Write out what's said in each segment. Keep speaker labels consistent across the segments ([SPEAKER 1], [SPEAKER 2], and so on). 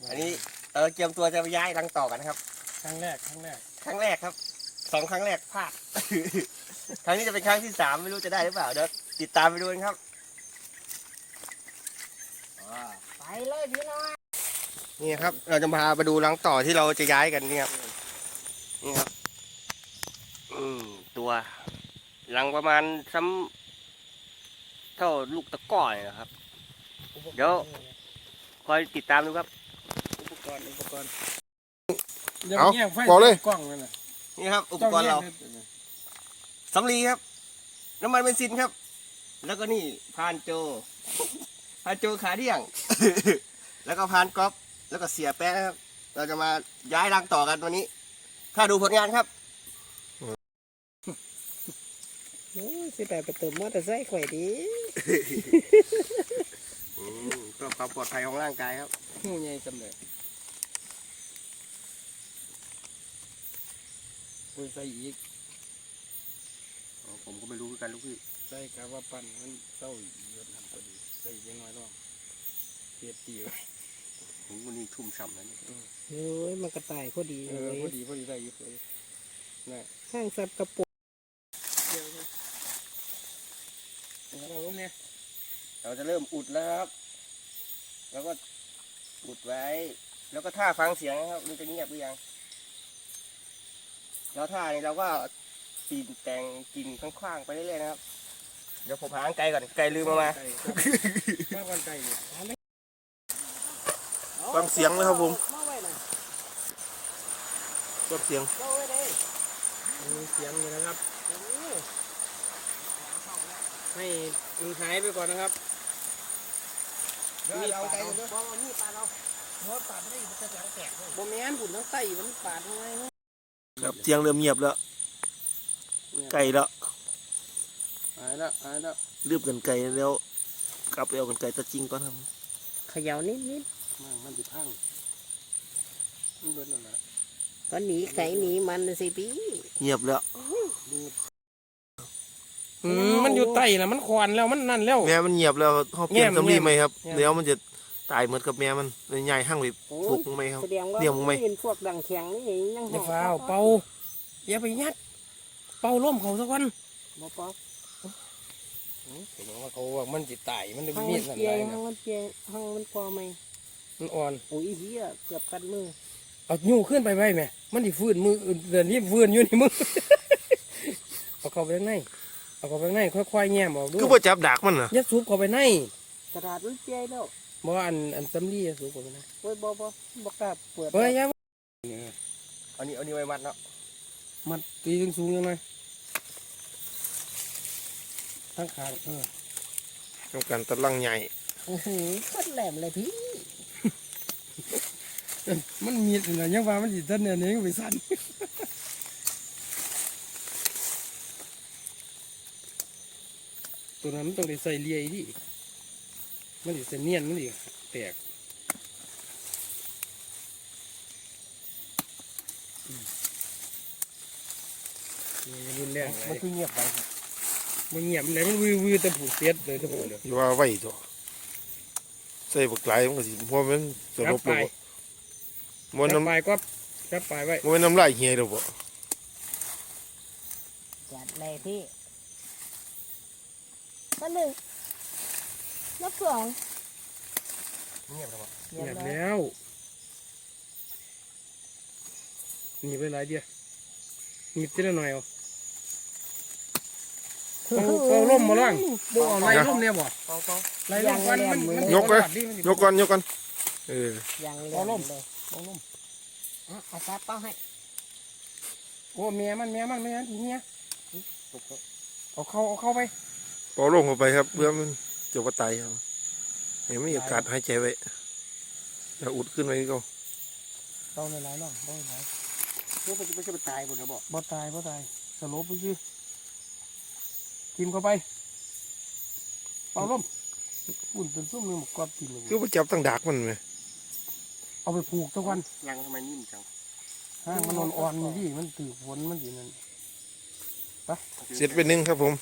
[SPEAKER 1] อันนี้เตรียมตัวจะไปย้ายรังต่อกันนะครับ
[SPEAKER 2] ครั้งแรก
[SPEAKER 1] ครับ2 ครั้งแรกพลาด ครั้งนี้จะเป็นครั้งที่3ไม่รู้จะได้หรือเปล่าเดี๋ยวติดตามไปดูกันครับ
[SPEAKER 3] ไปเลยพี่น้อย
[SPEAKER 1] นี่ครับเราจะพาไปดูรังต่อที่เราจะย้ายกันนี่ครับนี่ครับตัวรังประมาณซ้ำเท่าลูกตะก้อยนะครับเดี๋ยวคอยติดตามดูครับ
[SPEAKER 2] อุปกรณ์
[SPEAKER 4] เอาบอกเลย
[SPEAKER 2] กล้องนั่นน่ะ
[SPEAKER 1] นี่ครับอุปกรณ์เราสำลีครับน้ำมันเบนซินครับแล้วก็นี่พานโจขาเดี่ยง แล้วก็พานก๊อฟแล้วก็เสียแป๊ะนะครับเราจะมาย้ายรังต่อกันวันนี้ถ้าดูผลงานครับ
[SPEAKER 3] โอ้ยสิไปเติมมอเตอร์ไซค์ข่อยดี
[SPEAKER 1] เพื่อความปลอดภัยของร่างกายครับ
[SPEAKER 2] หูใหญ่จำเลยคุยใส่อีก
[SPEAKER 1] ผมก็ไม่รู้กันลูกพี่
[SPEAKER 2] ใส่กะว่าปั่นมันเศร้าเยอะนะพอดีใส่ยังน้อยน้องเทียบตีไว้
[SPEAKER 1] วันนี้ชุ่มฉ่ำนะนี่
[SPEAKER 3] เฮ้ยมันกระต่ายพอดี
[SPEAKER 2] พอดีได้อยู่เลยน่ะ
[SPEAKER 3] ข้างสับกระปุก
[SPEAKER 1] เราจะเริ่มอุดแล้วครับแล้วก็อุดไว้แล้วก็ท่าฟังเสียงนะครับมันจะเงียบหรือยังแล้วท่านี้เราก็ปีนแต่งกินข้างๆไปเรื่อยๆนะครับเดี๋ยวผมหาไก่ก่อนไก่ลืมมา
[SPEAKER 4] ฟังเสียงเลยครับผมฟังเสียง
[SPEAKER 2] มีเสียงอยู่นะครับให้มันหายไปก่อนนะครับ
[SPEAKER 1] มีเอาไก่กันด้วย
[SPEAKER 3] มีปลาเราเพราะปลาไม่ได้มันจะแตกเลย
[SPEAKER 2] บ่แม่นหุ่นทั้งไตมันปาดยังไงเนาะ
[SPEAKER 4] ครับเสียงเริ่มเงียบแล้วไก่แล้ว
[SPEAKER 2] หายแล้ว
[SPEAKER 4] รีบกันไก่แล้วกลับไปเอากันไก่ตะจริงก่อนครับ
[SPEAKER 3] เขย่านิด
[SPEAKER 2] มันจะพังมันเบิดแล้วนะ
[SPEAKER 3] ก็หนีไก่หนีมันสิพี่
[SPEAKER 4] เงียบแล้ว
[SPEAKER 2] มันอยู่ไตนะมันควันแล้วมันนั่นแล้ว
[SPEAKER 4] แม่มันเงียบแล้วเขาเปลี่ยนสำลีไหมครับเดี๋ยวมันจะตายเหมือนกับแม่มันใหญ่ห้างไปปลุกไหมครับ
[SPEAKER 3] เดี่ยวไหมเป็นพวกดังแข็งนี่ยัง
[SPEAKER 2] อย่าฟ้าเป่าอย่าไปยัดเป่าล้มเขาสักวัน
[SPEAKER 3] บ่เป่า
[SPEAKER 2] เห็นว่าเขาว่ามันจะตายมันจะ
[SPEAKER 3] มีดนั่นไงห้างมันพอไหม
[SPEAKER 2] มันอ่อน
[SPEAKER 3] โอ้ยเหี้ยเกือบกัดมือ
[SPEAKER 2] เอายู่ขึ้นไปไว้ไหมมันดิฟื้นมือเดี๋ยวนี้ฟื้นอยู่ในมือเอาเข้าไปในเอาเข้าไปในค่อยๆแง้มออกดู
[SPEAKER 4] คือว่าจับดักมันนะ
[SPEAKER 2] ยัดซุปเข้าไปใน
[SPEAKER 3] กระดาษมันเจ๊แล้ว
[SPEAKER 2] บ่อันสำลีซุปเข้าไปใน
[SPEAKER 3] โอ้ยบ่กล้าเปิด
[SPEAKER 2] เฮ้ยยัง
[SPEAKER 1] อันนี้ไว้มัดเนาะ
[SPEAKER 2] มัดตีสูงยังไงทั้งขา
[SPEAKER 4] ต้องการตะลังใหญ่
[SPEAKER 3] โอ้โหโคตรแหลมเลยพี่
[SPEAKER 2] มันมีอะไรยังว่ามันจีตันเนี่ยนี่ก็ไปสั่นตัวนั้นมันต้องได้ใส่เลียดิมันจะเส้นเนียนมันดิแตกรุนแรง
[SPEAKER 1] มันคือเงียบไป
[SPEAKER 2] มันเงียบเลยมันวิวแต่ผูกเสียดเลยทั้งหมดเลย
[SPEAKER 4] ว่าไว้ตัวใส่บักไหลมันก็สิเพราะมันสลบลง
[SPEAKER 2] มันน้ำลายก็จับปลายไว้
[SPEAKER 4] มันน้ำลายเหี้ยหรือเปล่า
[SPEAKER 3] จัดเลยพี่ก็หนึ่งแล้วสอง
[SPEAKER 1] เงียบแล้ว
[SPEAKER 2] เงียบแล้วหนีไปหลายเดียวหนีทีละหน่อยเอาล่มมาล่างบ่เอาไล่ล่มเนี่ยบ่ไล่ล่มกันมัน
[SPEAKER 4] ยกเลยยกก่อน
[SPEAKER 3] ยัง
[SPEAKER 2] เอาล่ม
[SPEAKER 3] เอาซับเป้าให้
[SPEAKER 2] โอ้เมียมันทีเนี้ยเอาเข้าไป
[SPEAKER 4] ปล่อยลงเข้าไปครับเพื่อมันจะว่าตายครับเห็นไม่มีอากาศหายใจไว้อย่าอุดขึ้นไปก็
[SPEAKER 2] ต้องหลายๆเนาะต้องหลาย
[SPEAKER 1] พวกมันจะไม่ใช่ตายหมดนะบอก
[SPEAKER 2] บ่ตายสลบไปสิกินเข้าไปเป่าลมอุ่นจนซุ่มนึงหมกกรอบกินเลย
[SPEAKER 4] คือว่าจับตั้งดักมันไหม
[SPEAKER 2] เอาไปผูกทุกวัน
[SPEAKER 1] ยังทำไมนิ่มจัง
[SPEAKER 2] ห้างมันอ่อนๆนี่มันตื่นฝนมันอยู่นั่น
[SPEAKER 4] ไปเสร็จไป1ครับผม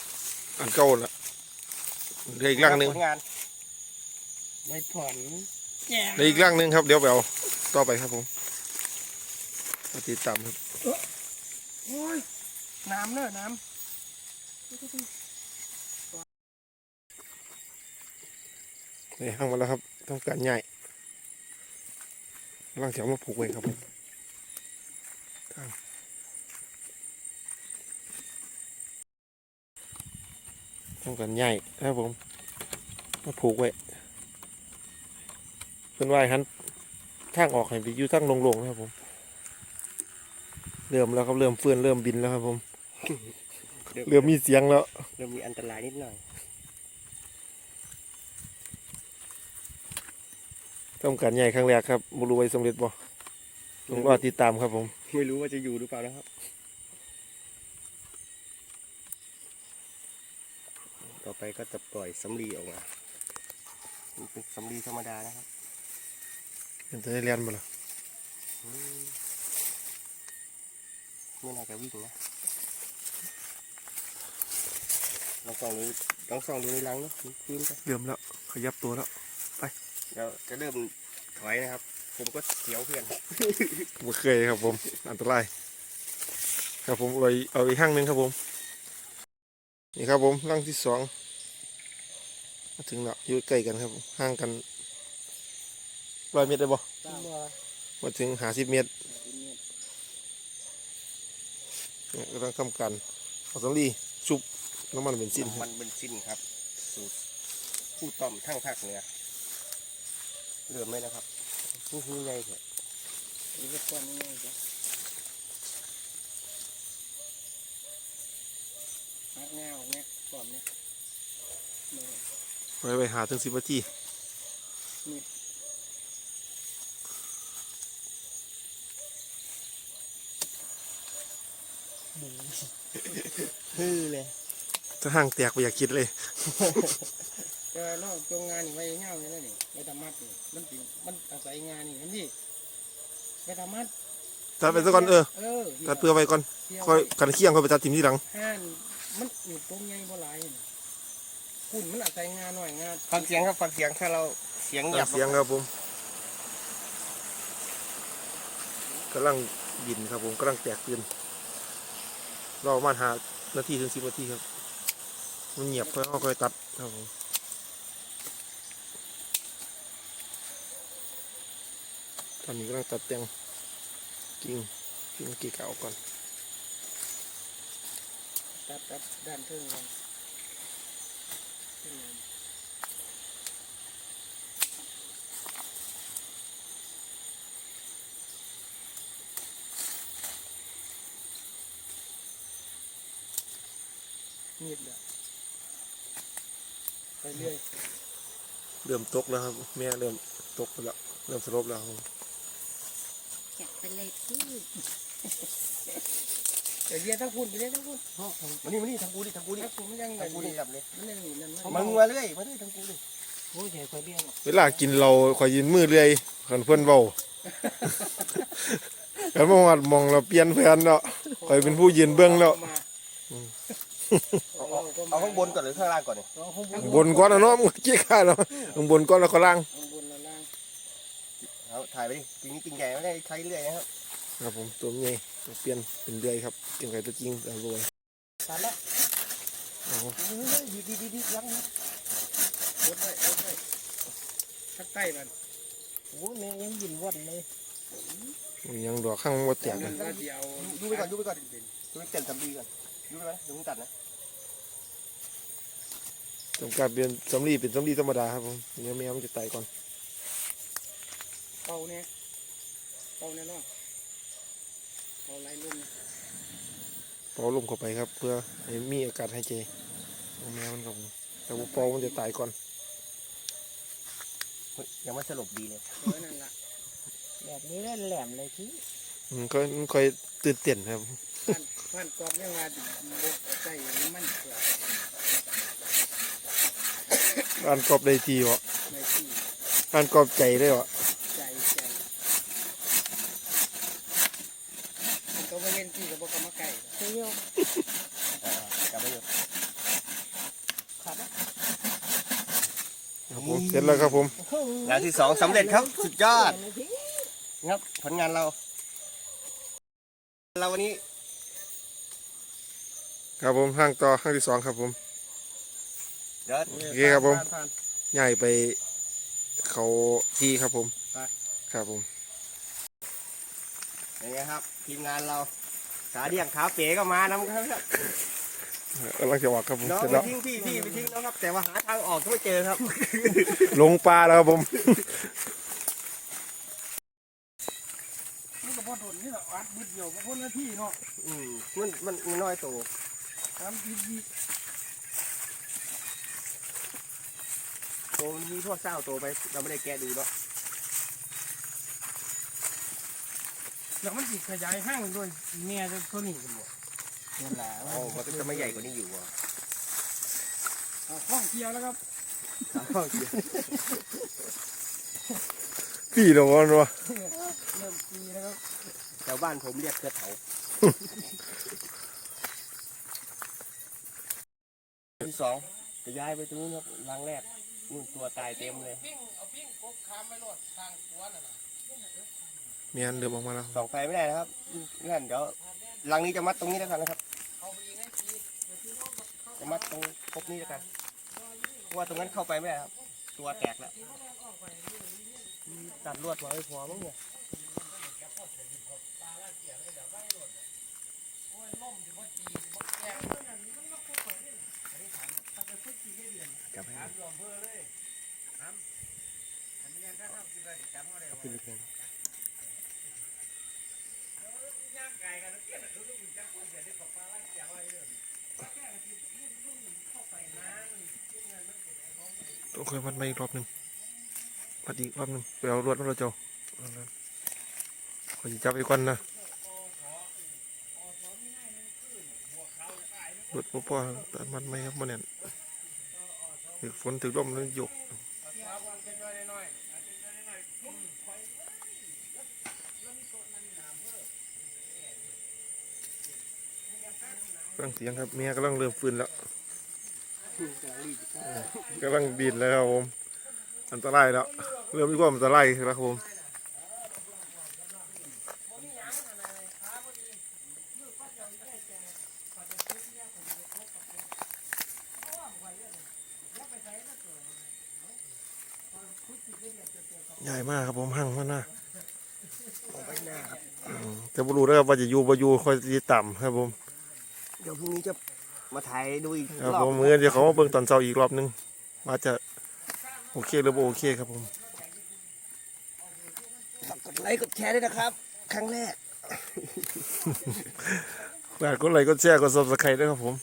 [SPEAKER 4] อันเก่าละเหลืออีกลังหนึ่ง
[SPEAKER 2] ไม่ถอน
[SPEAKER 4] ในอีกร่างหนึงครับเดี๋ยวไปเอาต่อไปครับผมมาติดตามครับ
[SPEAKER 2] โอ้ยน้ำเนอะน้
[SPEAKER 4] ในห้างมาแล้วครับต้องการใหญ่ร่างแถวมาผูกไว้ครับผมต้องการใหญ่ครับผมมาผูกไว้เป็นว่ายหันทางออกให้ไปอยู่ทางลงๆนะครับผมเริ่มแล้วครับเริ่มเฟื่อนเริ่มบินแล้วครับผมเริ่มมีเสียงแล้ว
[SPEAKER 1] เริ่มมีอันตรายนิดหน่อย
[SPEAKER 4] ต้องการใหญ่ครั้งแรกครับบรูไว้สำเร็จบ่ต้องรอติดตามครับผม
[SPEAKER 1] ไม่รู้ว่าจะอยู่หรือเปล่านะครับต่อไปก็จะปล่อยสำลีออกมามันเป็นสำลีธรรมดานะครับ
[SPEAKER 4] มันจะได้เรียนบ่ล่ะ
[SPEAKER 1] ไม่น่าจะวิ่งนะลองส่องดูในรังเนาะพื้นไป
[SPEAKER 4] เริ่มแล้วขยับตัวแล้ว
[SPEAKER 1] เราจะเริ่มถอยนะครับ ผมก็เสียวเพื่อน
[SPEAKER 4] บ่เคยครับผมอันตรายครับผมเอาอีกห้างหนึ่งครับผมนี่ครับผมร่างที่สองมาถึงแล้วอยู่ใกล้กันครับห่างกัน100 เมตรได้บ่
[SPEAKER 3] ำบ่
[SPEAKER 4] มาถึง50 เมตรเนี่ยกำลังทำการเอาสำลีชุบน้ำมันเบนซินครับ
[SPEAKER 1] มันเป็นสิ้นครับสูตรผู้ต้อมทั้งภาคเหนือเริ่มเลยนะครับผู้หูใหญ่เถอะ
[SPEAKER 3] นี่ก็ต้นนี่จ้ะฮักงาออกเนี่ยก่อนเนี่ย
[SPEAKER 4] ไปหาถึง10 นาที
[SPEAKER 1] ฮือเลย
[SPEAKER 4] ถ้าห่างแตกไปอยากคิดเลย
[SPEAKER 2] ำแต่นอกจงงานนี่ไว้เงาเนี่ยนะนี่ไว้ทำมัดนี่มันอาศัยงานนี่มันที่ไว้ทำมัด
[SPEAKER 4] ตัดไปซะก่อนตัดเปลือกไปก่อนค่อยกันเคี่ยงค่อยไปตัดทิ่มทีหลัง
[SPEAKER 2] ห้านมันอยู่ตรงใหญ่บ่หลายนี่คุณมันอาศัยงานหน่อยงาน
[SPEAKER 1] ฟังเสียงครับฟังเสียงถ้าเราเสียงหยับ
[SPEAKER 4] เสียงครับผมกำลังบินครับผมกำลังแตกตื่นรอประมาณ5 นาทีถึง10 นาทีครับมันเงียบค่อยตัดครับผมตอนนี้กำลังตัดแต่งกิ่งกี่เก่าก่อน
[SPEAKER 2] ตัดด้านเทิงกันมีดเลยไปเรื่อย
[SPEAKER 4] เริ่มตกแล้วครับแม่เริ่มตกแล้วเริ่มสลบแล้วครับ
[SPEAKER 3] จับไปเลยพี่
[SPEAKER 2] เดี๋ยวเรียกทั้งคุณไปเรียกทั้งคุณ
[SPEAKER 1] มานี่ทางกูดิ
[SPEAKER 2] ทั้งคุณมันยังไง
[SPEAKER 1] ทางกูดิจับเลย
[SPEAKER 2] มันยังหนีนั่น
[SPEAKER 1] มึงมาเรื่อยมาเรื่อยทางกูดิ
[SPEAKER 3] โอ้ยเดี๋ยวคอยเรียก
[SPEAKER 4] เวลากินเราคอยยืนมือเรื่อยขันเพื่อนเบา แล้วเมื่อวานมองเราเปลี่ยนเพื่อนเนาะคอยเป็นผู้ยืนเบื้องแล้ว
[SPEAKER 1] เอาข้างบนก่อนหรือข้างล่างก่อนเนี่ย
[SPEAKER 4] บนก้อนนะเนาะมึงขี้ข้าเนาะข้างบนก้อนแล้วก็ล่าง
[SPEAKER 2] ข้างบนและล่าง
[SPEAKER 1] เอาถ่ายไปดิกิ่งนี้กิ่งใหญ่ไม่ได้ใช้เรื่อยนะครับ
[SPEAKER 4] ครับผมตัวใหญ่เปลี่ยนเป็นเรื่อยครับเก่งไก่ตัวจริงแต่รวย
[SPEAKER 3] ตัดละ
[SPEAKER 2] ดียังนะรถได้ทักใต้มัน
[SPEAKER 3] โอ้ยแม่ยังบินวนเลย
[SPEAKER 4] ยังดอกข้างว่าแตก
[SPEAKER 2] มั
[SPEAKER 4] นะ
[SPEAKER 2] นก็เดียว
[SPEAKER 1] ดูไปก่อนดูไปเต็มสำลีก่อนดูไปไหมเดี๋ยวมึงตัดนะ
[SPEAKER 4] ทำการเปลี่ยนสำลีเป็นสำลีธรรมดาครับผมเนื้อแมวมันจะตายก่อน
[SPEAKER 2] เป่าเนี่ยเนาะเป่าไหลลุ่ม
[SPEAKER 4] เป่าลมเข้าไปครับ เพื่อให้มีอากาศหายใจของแมวมันครับผมแต่ว่าเป่ามันจะตายก่อน
[SPEAKER 1] ยังไม่สลบดีเลย
[SPEAKER 2] นั่นละ
[SPEAKER 3] แบบนี้แหลมเลยพี่
[SPEAKER 4] มันค่อยตื่นเต้นครับ
[SPEAKER 2] ผ่านกรอบยังมาบกใส่มันเกิด
[SPEAKER 4] อ่านกรอบได้ทีวะ
[SPEAKER 2] ในที่
[SPEAKER 4] อ่านกรอบใจได้วะ
[SPEAKER 2] ใจมันก็ไม่เล่นที่กับพวกกรรมไก่
[SPEAKER 3] เที่ยว
[SPEAKER 1] กลับไปอยู่
[SPEAKER 3] ขาดละ
[SPEAKER 4] ครับผมเสร็จแล้วครับผม
[SPEAKER 1] งานที่สองสำเร็จครับสุดยอดครับผลงานเราวันนี้
[SPEAKER 4] ครับผมห้างต่อห้างที่สองครับผม
[SPEAKER 1] เดี๋ยว
[SPEAKER 4] โอเคครับผม
[SPEAKER 2] ผ่าน
[SPEAKER 4] ย้ายไปเขาที่ครับผม
[SPEAKER 2] ไป
[SPEAKER 4] ครับผม
[SPEAKER 1] อย่างเงี้ยครับทีมงานเราขาเดี่ยงขาเป๋ก็มานำครับ
[SPEAKER 4] กำลังจะออกครับผม
[SPEAKER 1] น้อง
[SPEAKER 4] เสร็จ
[SPEAKER 1] ไป
[SPEAKER 4] แล้ว
[SPEAKER 1] ทิ้งพี่ไปทิ้งน้องครับ แต่ว่าหาทางออกก็ไม่เจอครับ
[SPEAKER 4] ลงปลาแล้วครับผม
[SPEAKER 2] นี่ก็พอทนนี่แหละอัดบึดเดียวก็พ้นหน้าที่เนาะ
[SPEAKER 1] มันน้อยตัว
[SPEAKER 2] ทำดี
[SPEAKER 1] ตัวมันมีพวกเศร้าตัวไปเราไม่ได้แกะดูเนาะ
[SPEAKER 2] ๆแล้วมันสิขยายห้างด้วยแม่จะตัวนี้กันบ่นั่นแหละ
[SPEAKER 1] โอ้มันก็จะไม่ใหญ่กว่านี้อยู่อ่ะ
[SPEAKER 2] ห้องเที่ยวแล้วครับ
[SPEAKER 4] พี่เราวันวะ
[SPEAKER 2] เริ่มปีแล้วครับ
[SPEAKER 1] แถวบ้านผมเรียกเกือเถาที่สองจะย้ายไปตรงนู้นครับรังแรกนู่นตัวตายเต็มเลย
[SPEAKER 2] เอาปิ้งกบคามไปโหลดทางกวนน่ะนะ
[SPEAKER 4] เมียนเดินออกมาแล้ว
[SPEAKER 1] ส่องไฟไม่ได้นะครับนั่นเดี๋ยวรังนี้จะมัดตรงนี้แล้วกันนะครับ จะมัดตรงพบนี้แล้วกันเพราะว่าตรงนั้นเข้าไปไม่ได้ครับ ตัวแตกแล้วตัดลวดมาไม่พอมั้งเนี่ยจับให้เอาขึ้นเลย
[SPEAKER 4] ต้องค่อยวัดมาอีกรอบหนึ่งวัดอีกรอบหนึ่งไปเอารวดมาเราเจ้าขอจับอีกวันนะรวดพ่อแต่มันไม่ครับมันเนี่ยถึงฝนถึงลมแล้วหยกกำลังเสียงครับเมียกำลังเริ่มฟื้นแล้วกำลังดินแล้วครับผมอันตรายแล้วเริ่มมีความอันตรายแล้วครับผมใหญ่มากครับผมหั่งมันนะแต่บรูนะครับว่าจะอยู่บ่อยู่ค่อยจะต่ำครับผม
[SPEAKER 1] เดี๋ยวพรุ่งนี้จะมาถ่ายดูอีก
[SPEAKER 4] ครับ
[SPEAKER 1] รอบ
[SPEAKER 4] ผมเมื่อเดี๋ยวเขามาเบิ่งตอนเช้าอีกรอบหนึงว่าจะโอเคหรือบ่โอเคครับผม
[SPEAKER 1] ฝากกดไลค์กดแชร์ด้วยนะครับ ครั้งแรก
[SPEAKER 4] ฝากกดไลค์กดแชร์กด Subscribe ด้วยครับผม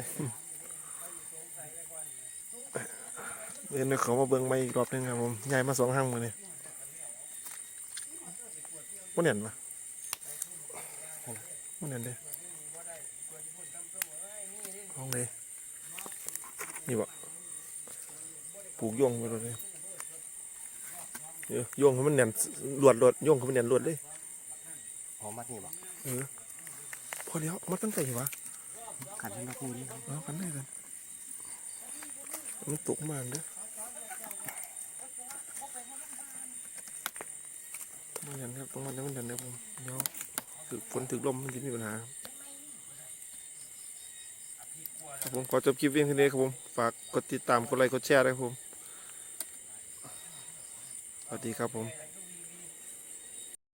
[SPEAKER 4] เดี๋ยวเขามาเบิ่งมาอีกรอบหนึงครับผมใหญ่มา2หั่งมื้อนี้บ่เห็นปะบ่เห็นเด้ห้องไหนนี่บ่ปลูกโยงไปเลยโยงให้มันแน่นลวดโยงให้มันแน่นลวดเลย
[SPEAKER 1] หอมมัดนี่บอก
[SPEAKER 4] พอแล้วมันตั้งใจวะ
[SPEAKER 1] ขันให้มัดนี่
[SPEAKER 4] เอากันได้กันมันตกมาเด้อมันยันครับตรงมันจะมันยันเดี๋ยวผมเดี๋ยวถึกฝนถึกลมมันจะมีปัญหาครับผมขอจบคลิปเพียงเท่านี้ครับผมฝากกดติดตามกดไลค์กดแชร์ด้วยครับผมสวัสดีครับผม